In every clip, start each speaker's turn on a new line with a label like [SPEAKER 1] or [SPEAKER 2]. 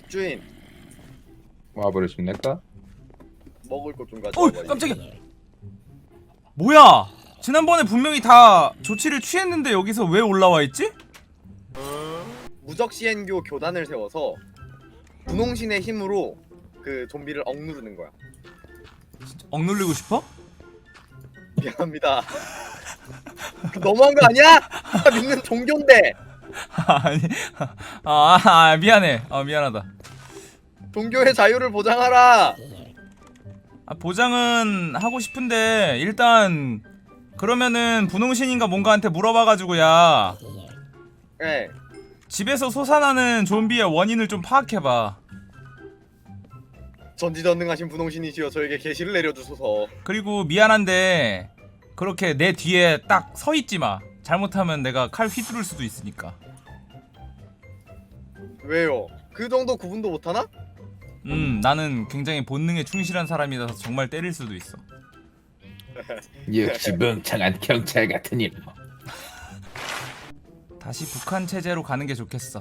[SPEAKER 1] 주인,
[SPEAKER 2] 와버리십니까?
[SPEAKER 1] 먹을 것 좀
[SPEAKER 3] 어
[SPEAKER 1] 가져와봐.
[SPEAKER 3] 깜짝이야. 뭐야? 지난번에 분명히 다 조치를 취했는데 여기서 왜 올라와 있지?
[SPEAKER 1] 무적 시행교 교단을 세워서 분홍신의 힘으로 그 좀비를 억누르는 거야.
[SPEAKER 3] 억눌리고 싶어?
[SPEAKER 1] 미안합니다. 그 너무한 거 아니야? 나 믿는 종교인데.
[SPEAKER 3] 아니, 미안해. 미안하다.
[SPEAKER 1] 종교의 자유를 보장하라.
[SPEAKER 3] 보장은 하고 싶은데 일단 그러면은 분홍신인가 뭔가한테 물어봐가지고야
[SPEAKER 1] 예.
[SPEAKER 3] 집에서 솟아나는 좀비의 원인을 좀 파악해봐.
[SPEAKER 1] 전지전능하신 분홍신이시여 저에게 계시를 내려주소서.
[SPEAKER 3] 그리고 미안한데 그렇게 내 뒤에 딱 서 있지 마. 잘못하면 내가 칼 휘두를 수도 있으니까.
[SPEAKER 1] 왜요? 그 정도 구분도 못하나?
[SPEAKER 3] 나는 굉장히 본능에 충실한 사람이라서 정말 때릴 수도 있어.
[SPEAKER 2] 역시 멍청한 경찰 같은 일.
[SPEAKER 3] 다시 북한 체제로 가는 게 좋겠어.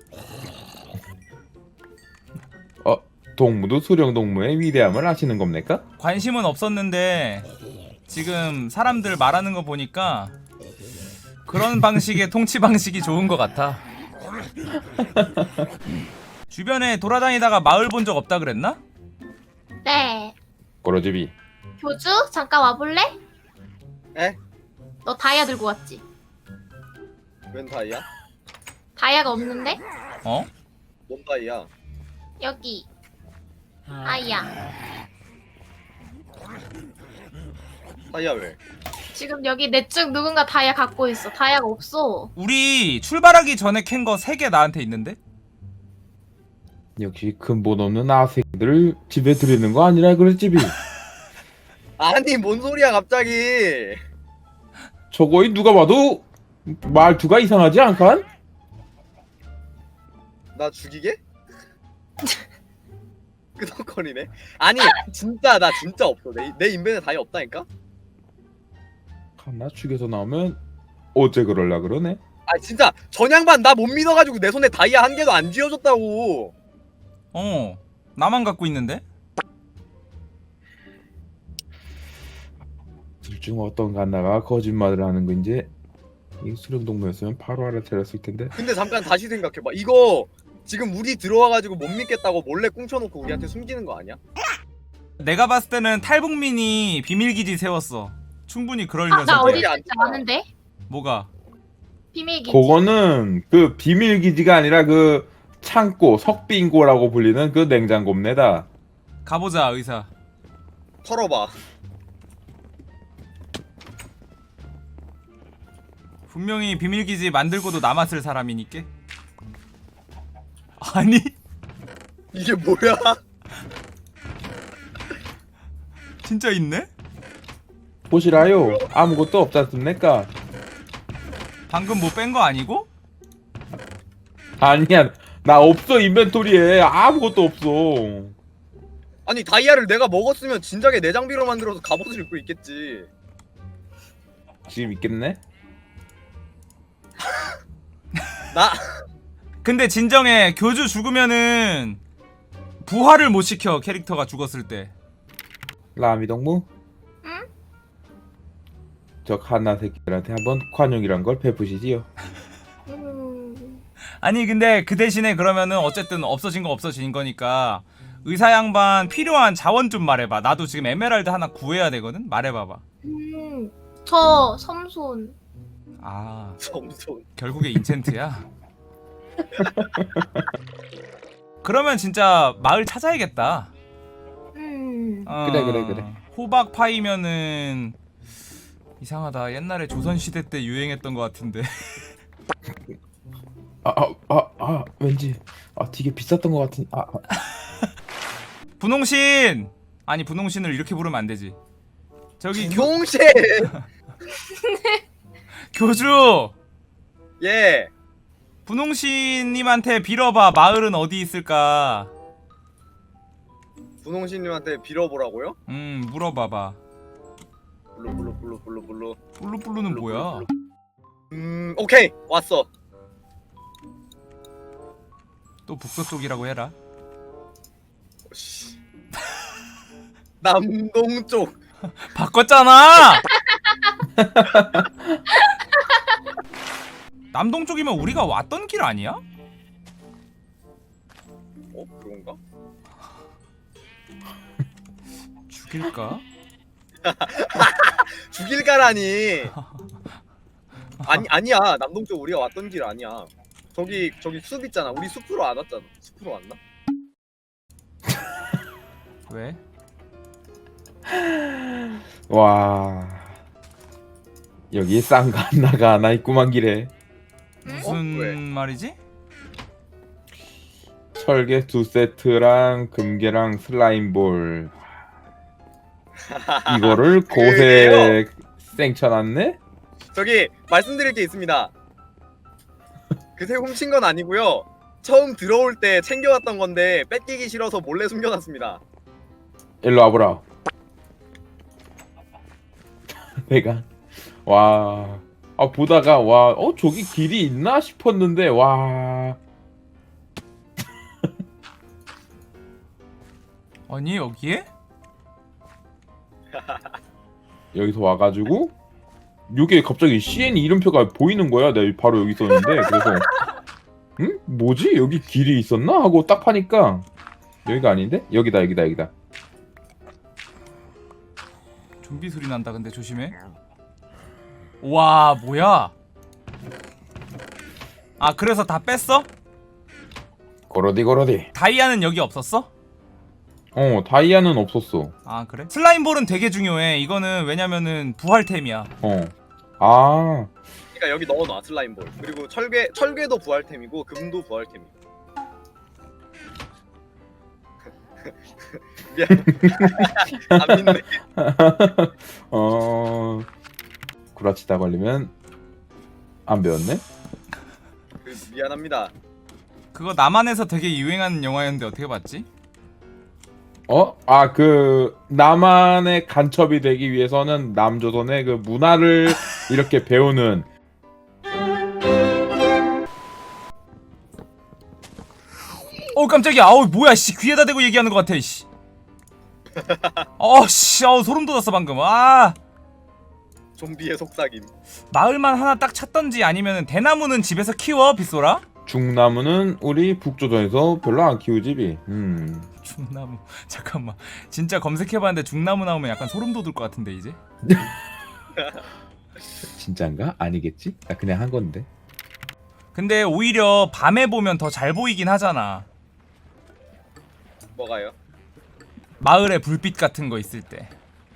[SPEAKER 2] 동무도 수령 동무의 위대함을 아시는 겁니까?
[SPEAKER 3] 관심은 없었는데 지금 사람들 말하는 거 보니까 그런 방식의 통치 방식이 좋은 것 같아. 주변에 돌아다니다가 마을 본 적 없다 그랬나?
[SPEAKER 4] 네.
[SPEAKER 2] 꼬로집이.
[SPEAKER 4] 교주 잠깐 와볼래?
[SPEAKER 1] 에?
[SPEAKER 4] 너 다이아 들고 왔지?
[SPEAKER 1] 웬 다이야?
[SPEAKER 4] 다이아가 없는데?
[SPEAKER 3] 어?
[SPEAKER 1] 뭔 다이야?
[SPEAKER 4] 여기 다이아.
[SPEAKER 1] 다이야 왜?
[SPEAKER 4] 지금 여기 내 쪽 누군가 다이아 갖고 있어. 다이아가 없어.
[SPEAKER 3] 우리 출발하기 전에 캔 거 3개 나한테 있는데?
[SPEAKER 2] 역시 근본 없는 아새끼들을 집에 들이는 거 아니라 그랬집이.
[SPEAKER 1] 아니 뭔 소리야 갑자기?
[SPEAKER 2] 저거이 누가 봐도 말투가 이상하지 않간?
[SPEAKER 1] 나 죽이게? 끄덕거리네. 아니 진짜 나 진짜 없어. 내 인벤에 다이아 없다니까?
[SPEAKER 2] 하나 죽여서 나오면 어째 그럴라 그러네.
[SPEAKER 1] 아 진짜 전양반 나 못 믿어가지고 내 손에 다이아 한 개도 안 쥐어줬다고.
[SPEAKER 3] 나만 갖고 있는데?
[SPEAKER 2] 둘 중 어떤 하나가 거짓말을 하는 건지 이 수령 동무였으면 바로 알아차렸을 텐데.
[SPEAKER 1] 근데 잠깐 다시 생각해봐. 이거 지금 우리 들어와가지고 못 믿겠다고 몰래 꿍쳐놓고 우리한테 숨기는 거 아니야?
[SPEAKER 3] 내가 봤을 때는 탈북민이 비밀기지 세웠어. 충분히 그럴
[SPEAKER 4] 나
[SPEAKER 3] 녀석이야.
[SPEAKER 4] 어디
[SPEAKER 1] 안
[SPEAKER 4] 있는지
[SPEAKER 1] 좋아.
[SPEAKER 4] 아는데?
[SPEAKER 3] 뭐가?
[SPEAKER 4] 비밀기지.
[SPEAKER 2] 그거는 그 비밀 기지가 아니라 그 창고 석빙고라고 불리는 그 냉장고입니다.
[SPEAKER 3] 가보자 의사.
[SPEAKER 1] 털어봐.
[SPEAKER 3] 분명히 비밀기지 만들고도 남았을 사람이니까. 아니?
[SPEAKER 1] 이게 뭐야?
[SPEAKER 3] 진짜 있네?
[SPEAKER 2] 보시라요. 아무것도 없지 않습니까?
[SPEAKER 3] 방금 뭐 뺀 거 아니고?
[SPEAKER 2] 아니야. 나 없어 인벤토리에 아무것도 없어.
[SPEAKER 1] 아니 다이아를 내가 먹었으면 진작에 내 장비로 만들어서 갑옷을 입고 있겠지.
[SPEAKER 2] 지금 있겠네?
[SPEAKER 1] 나
[SPEAKER 3] 근데 진정해. 교주 죽으면은 부활을 못 시켜. 캐릭터가 죽었을 때.
[SPEAKER 2] 라미 동무?
[SPEAKER 4] 응?
[SPEAKER 2] 저 칸나 새끼들한테 한번 관용이란 걸 베푸시지요.
[SPEAKER 3] 아니 근데 그 대신에 그러면은 어쨌든 없어진 거 없어진 거니까 의사 양반 필요한 자원 좀 말해봐. 나도 지금 에메랄드 하나 구해야 되거든. 말해봐봐.
[SPEAKER 4] 저 섬손.
[SPEAKER 3] 아
[SPEAKER 1] 점손.
[SPEAKER 3] 결국에 인챈트야. 그러면 진짜 마을 찾아야겠다.
[SPEAKER 2] 그래.
[SPEAKER 3] 호박 파이면은 이상하다. 옛날에 조선 시대 때 유행했던 것 같은데.
[SPEAKER 2] 왠지 되게 비쌌던 것 같은.
[SPEAKER 3] 분홍신. 아니 분홍신을 이렇게 부르면 안 되지. 저기
[SPEAKER 1] 분홍신.
[SPEAKER 3] 교주.
[SPEAKER 1] 예.
[SPEAKER 3] 분홍신님한테 빌어봐. 마을은 어디 있을까?
[SPEAKER 1] 분홍신님한테 빌어보라고요?
[SPEAKER 3] 물어봐봐.
[SPEAKER 1] 블루.
[SPEAKER 3] 블루블루는 뭐야?
[SPEAKER 1] 오케이 왔어.
[SPEAKER 3] 또 북서쪽이라고 해라.
[SPEAKER 1] 씨. 남동쪽.
[SPEAKER 3] 바꿨잖아. 남동쪽이면 우리가 왔던 길 아니야?
[SPEAKER 1] 그런가?
[SPEAKER 3] 죽일까?
[SPEAKER 1] 죽일까라니. 아니야. 남동쪽 우리가 왔던 길 아니야. 저기 숲 있잖아. 우리 숲으로 안 왔잖아. 숲으로 왔나?
[SPEAKER 3] 왜?
[SPEAKER 2] 와 여기 쌍가 하나가 하나 있구만 길에.
[SPEAKER 3] 무슨
[SPEAKER 1] 왜?
[SPEAKER 3] 말이지?
[SPEAKER 2] 철개 2세트랑 금괴랑 슬라임볼 이거를 곳에 생쳐놨네?
[SPEAKER 1] 저기 말씀드릴 게 있습니다. 그새 훔친 건 아니고요. 처음 들어올 때 챙겨왔던 건데 뺏기기 싫어서 몰래 숨겨놨습니다.
[SPEAKER 2] 일로 와보라. 내가 보다가 저기 길이 있나 싶었는데
[SPEAKER 3] 아니 여기에?
[SPEAKER 2] 여기서 와가지고 요게 갑자기 CN 이름표가 보이는 거야. 내가 바로 여기 있었는데 그래서 응? 뭐지? 여기 길이 있었나? 하고 딱 파니까 여기가 아닌데? 여기다.
[SPEAKER 3] 좀비 소리 난다. 근데 조심해. 와 뭐야? 아 그래서 다 뺐어?
[SPEAKER 2] 고로디.
[SPEAKER 3] 다이아는 여기 없었어?
[SPEAKER 2] 다이아는 없었어.
[SPEAKER 3] 아 그래? 슬라임볼은 되게 중요해. 이거는 왜냐면은 부활템이야.
[SPEAKER 1] 그러니까 여기 넣어놔 슬라임볼. 그리고 철괴도 부활템이고 금도 부활템이고. 미안. 안 믿네.
[SPEAKER 2] 구라치다 걸리면 안 배웠네?
[SPEAKER 1] 미안합니다.
[SPEAKER 3] 그거 남한에서 되게 유행하는 영화였는데 어떻게 봤지?
[SPEAKER 2] 남한의 간첩이 되기 위해서는 남조선의 그 문화를 이렇게 배우는.
[SPEAKER 3] 깜짝이야. 뭐야 씨. 귀에다 대고 얘기하는 것 같아 씨. 소름 돋았어 방금.
[SPEAKER 1] 좀비의 속삭임.
[SPEAKER 3] 마을만 하나 딱 찾던지 아니면 대나무는 집에서 키워 빗소라?
[SPEAKER 2] 중나무는 우리 북조선에서 별로 안 키우지비.
[SPEAKER 3] 중나무. 잠깐만. 진짜 검색해봤는데 중나무 나오면 약간 소름 돋을 것 같은데 이제.
[SPEAKER 2] 진짠가? 아니겠지? 나 그냥 한 건데.
[SPEAKER 3] 근데 오히려 밤에 보면 더 잘 보이긴 하잖아.
[SPEAKER 1] 뭐가요?
[SPEAKER 3] 마을에 불빛 같은 거 있을 때.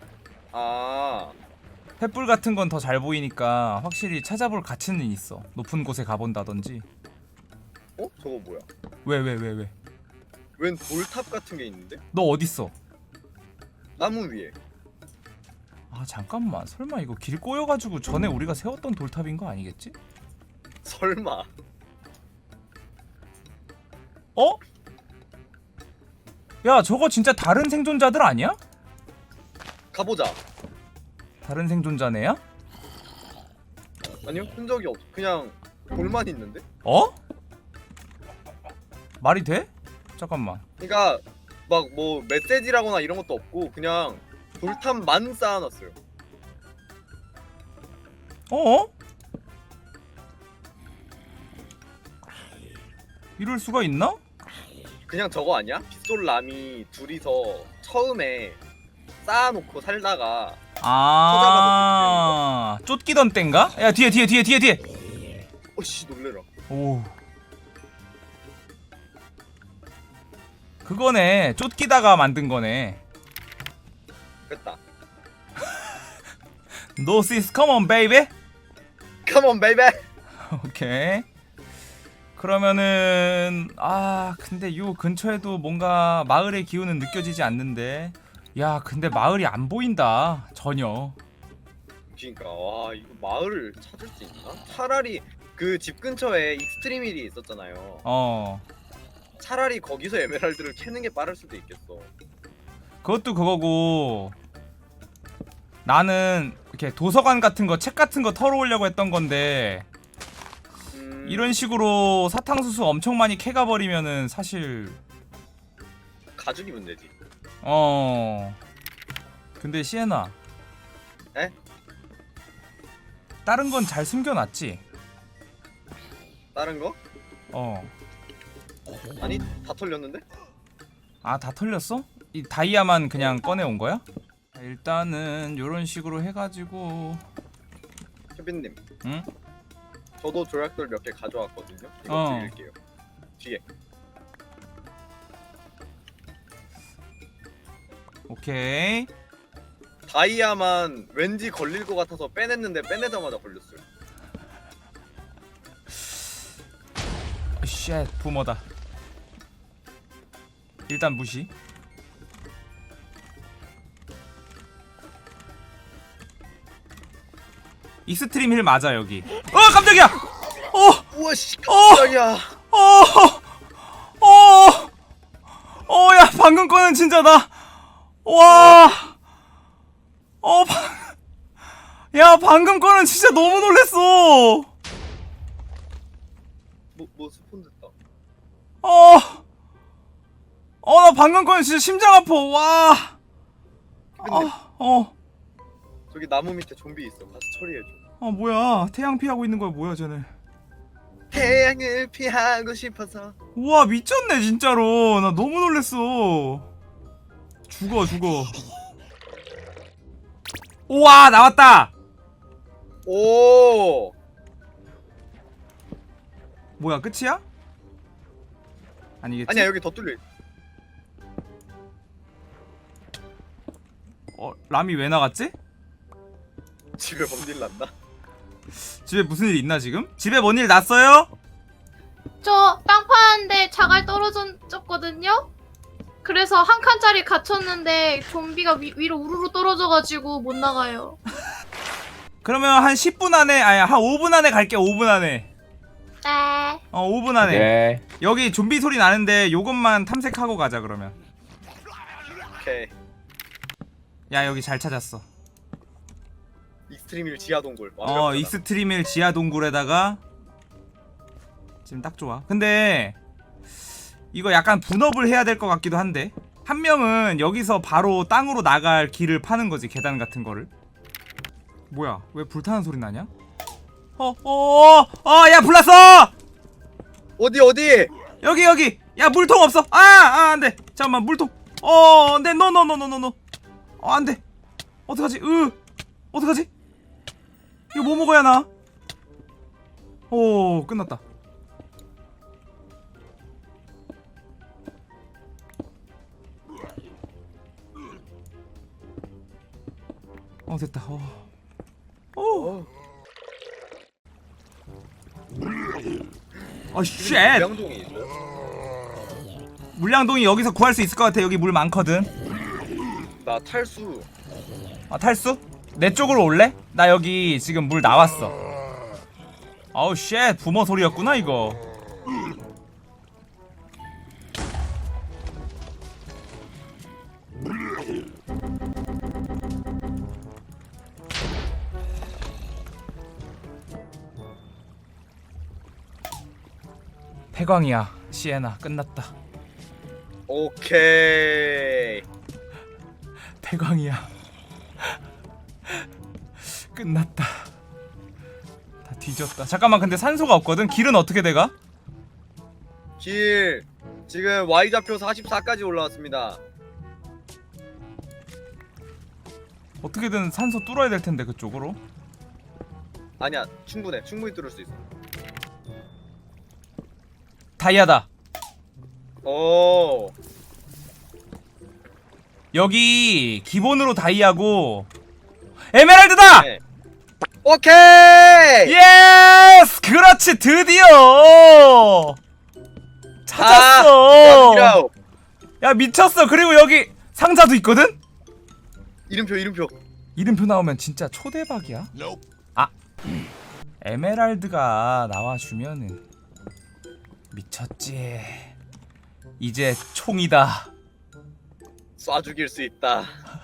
[SPEAKER 3] 횃불 같은 건 더 잘 보이니까 확실히 찾아볼 가치는 있어. 높은 곳에 가본다든지.
[SPEAKER 1] 저거 뭐야?
[SPEAKER 3] 왜?
[SPEAKER 1] 웬 돌탑 같은 게 있는데?
[SPEAKER 3] 너 어딨어?
[SPEAKER 1] 나무 위에.
[SPEAKER 3] 잠깐만. 설마 이거 길 꼬여가지고 전에 우리가 세웠던 돌탑인 거 아니겠지?
[SPEAKER 1] 설마.
[SPEAKER 3] 야 저거 진짜 다른 생존자들 아니야?
[SPEAKER 1] 가보자.
[SPEAKER 3] 다른 생존자네야?
[SPEAKER 1] 아니요, 흔적이 없. 그냥 돌만 있는데?
[SPEAKER 3] 말이 돼? 잠깐만.
[SPEAKER 1] 그러니까 막 뭐 메시지라거나 이런 것도 없고 그냥 돌탑만 쌓아놨어요.
[SPEAKER 3] 이럴 수가 있나?
[SPEAKER 1] 그냥 저거 아니야? 빗솔람이 둘이서 처음에 쌓아놓고 살다가
[SPEAKER 3] 쫓기던 땐가? 야 뒤에
[SPEAKER 1] 어씨 놀래라.
[SPEAKER 3] 오 그거네. 쫓기다가 만든 거네.
[SPEAKER 1] 됐다.
[SPEAKER 3] No sis, come on baby.
[SPEAKER 1] Come on baby.
[SPEAKER 3] 오케이. 그러면은 근데 요 근처에도 뭔가 마을의 기운은 느껴지지 않는데. 야 근데 마을이 안 보인다 전혀.
[SPEAKER 1] 그러니까 와 이거 마을을 찾을 수 있나? 차라리 그 집 근처에 익스트림힐이 있었잖아요. 차라리 거기서 에메랄드를 캐는 게 빠를 수도 있겠어.
[SPEAKER 3] 그것도 그거고 나는 이렇게 도서관 같은 거 책 같은 거 털어오려고 했던 건데 이런 식으로 사탕수수 엄청 많이 캐가 버리면은 사실
[SPEAKER 1] 다 죽이면 되지.
[SPEAKER 3] 근데 시에나.
[SPEAKER 1] 에?
[SPEAKER 3] 다른 건 잘 숨겨놨지?
[SPEAKER 1] 다른 거? 아니 다 털렸는데?
[SPEAKER 3] 아, 다 털렸어? 이 다이아만 그냥 꺼내온 거야? 일단은 요런 식으로 해가지고.
[SPEAKER 1] 케빈님.
[SPEAKER 3] 응?
[SPEAKER 1] 저도 조약돌 몇 개 가져왔거든요. 이거
[SPEAKER 3] 어.
[SPEAKER 1] 드릴게요. 뒤에.
[SPEAKER 3] 오케이.
[SPEAKER 1] 다이아만 왠지 걸릴 것 같아서 빼냈는데 빼내자마자 걸렸어요.
[SPEAKER 3] 쉣, 부모다. 일단 무시. 익스트림 힐 맞아 여기. 깜짝이야.
[SPEAKER 1] 우와 씨 깜짝이야.
[SPEAKER 3] 야, 방금 거는 진짜 나. 와. 야, 방금 거는 진짜 너무 놀랬어.
[SPEAKER 1] 뭐 스폰 됐다.
[SPEAKER 3] 나 방금 거는 진짜 심장 아파. 와.
[SPEAKER 1] 케빈님 저기 나무 밑에 좀비 있어. 가서 처리해줘.
[SPEAKER 3] 뭐야. 태양 피하고 있는 거야. 뭐야, 쟤네.
[SPEAKER 1] 태양을 피하고 싶어서.
[SPEAKER 3] 우와, 미쳤네 진짜로. 나 너무 놀랬어. 죽어. 우와, 나왔다.
[SPEAKER 1] 오.
[SPEAKER 3] 뭐야, 끝이야? 아니겠지?
[SPEAKER 1] 아니야 여기 더 뚫려.
[SPEAKER 3] 람이 왜 나갔지?
[SPEAKER 1] 집에 뭔일 났나?
[SPEAKER 3] 집에 무슨 일 있나 지금? 집에 뭔 일 났어요?
[SPEAKER 4] 저 땅 파는데 자갈 떨어졌거든요. 그래서 한 칸짜리 갇혔는데 좀비가 위로 우르르 떨어져가지고 못 나가요.
[SPEAKER 3] 그러면 한 10분 안에, 아니 한 5분 안에 갈게. 5분 안에.
[SPEAKER 4] 네.
[SPEAKER 3] 5분 안에.
[SPEAKER 2] 네.
[SPEAKER 3] 여기 좀비 소리 나는데 요것만 탐색하고 가자 그러면.
[SPEAKER 1] 오케이.
[SPEAKER 3] 야, 여기 잘 찾았어.
[SPEAKER 1] 익스트림일 지하 동굴.
[SPEAKER 3] 익스트림일 지하 동굴에다가 지금 딱 좋아. 근데 이거 약간 분업을 해야 될 것 같기도 한데, 한 명은 여기서 바로 땅으로 나갈 길을 파는 거지, 계단 같은 거를. 뭐야, 왜 불타는 소리 나냐? 야, 불났어!
[SPEAKER 1] 어디?
[SPEAKER 3] 여기! 야, 물통 없어! 안돼! 잠깐만, 물통! 안돼! 노! 안돼! 어떡하지? 어떡하지? 이거 뭐 먹어야 하나? 끝났다. 됐다. 쉣!
[SPEAKER 1] 명동이 있어.
[SPEAKER 3] 물량동이 여기서 구할 수 있을 것 같아. 여기 물 많거든.
[SPEAKER 1] 나 탈수.
[SPEAKER 3] 탈수? 내 쪽으로 올래? 나 여기 지금 물 나왔어. 쉣, 부모 소리였구나 이거. 태광이야, 시에나. 끝났다.
[SPEAKER 1] 오케이.
[SPEAKER 3] 태광이야. 끝났다. 다 뒤졌다. 잠깐만, 근데 산소가 없거든? 길은 어떻게 돼가?
[SPEAKER 1] 길 지금 Y좌표 44까지 올라왔습니다.
[SPEAKER 3] 어떻게든 산소 뚫어야 될 텐데 그쪽으로.
[SPEAKER 1] 아니야 충분히 뚫을 수 있어.
[SPEAKER 3] 다이아다.
[SPEAKER 1] 오.
[SPEAKER 3] 여기 기본으로 다이아고 에메랄드다!
[SPEAKER 1] 네. 오케이!
[SPEAKER 3] 예스! 그렇지, 드디어! 찾았어!
[SPEAKER 1] 아,
[SPEAKER 3] 야, 미쳤어. 그리고 여기 상자도 있거든?
[SPEAKER 1] 이름표
[SPEAKER 3] 나오면 진짜 초대박이야. 에메랄드가 나와주면은 미쳤지. 이제 총이다.
[SPEAKER 1] 쏴 죽일 수 있다.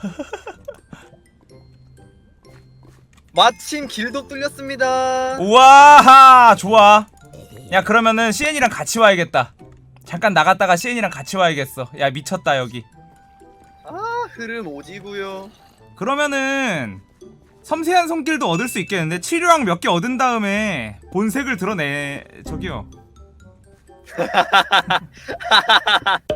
[SPEAKER 1] 마침 길도 뚫렸습니다.
[SPEAKER 3] 우와, 좋아. 야, 그러면은 CN이랑 같이 와야겠다. 잠깐 나갔다가 CN이랑 같이 와야겠어. 야 미쳤다 여기.
[SPEAKER 1] 아 흐름 오지구요.
[SPEAKER 3] 그러면은 섬세한 손길도 얻을 수 있겠는데 치료약 몇 개 얻은 다음에 본색을 드러내 저기요.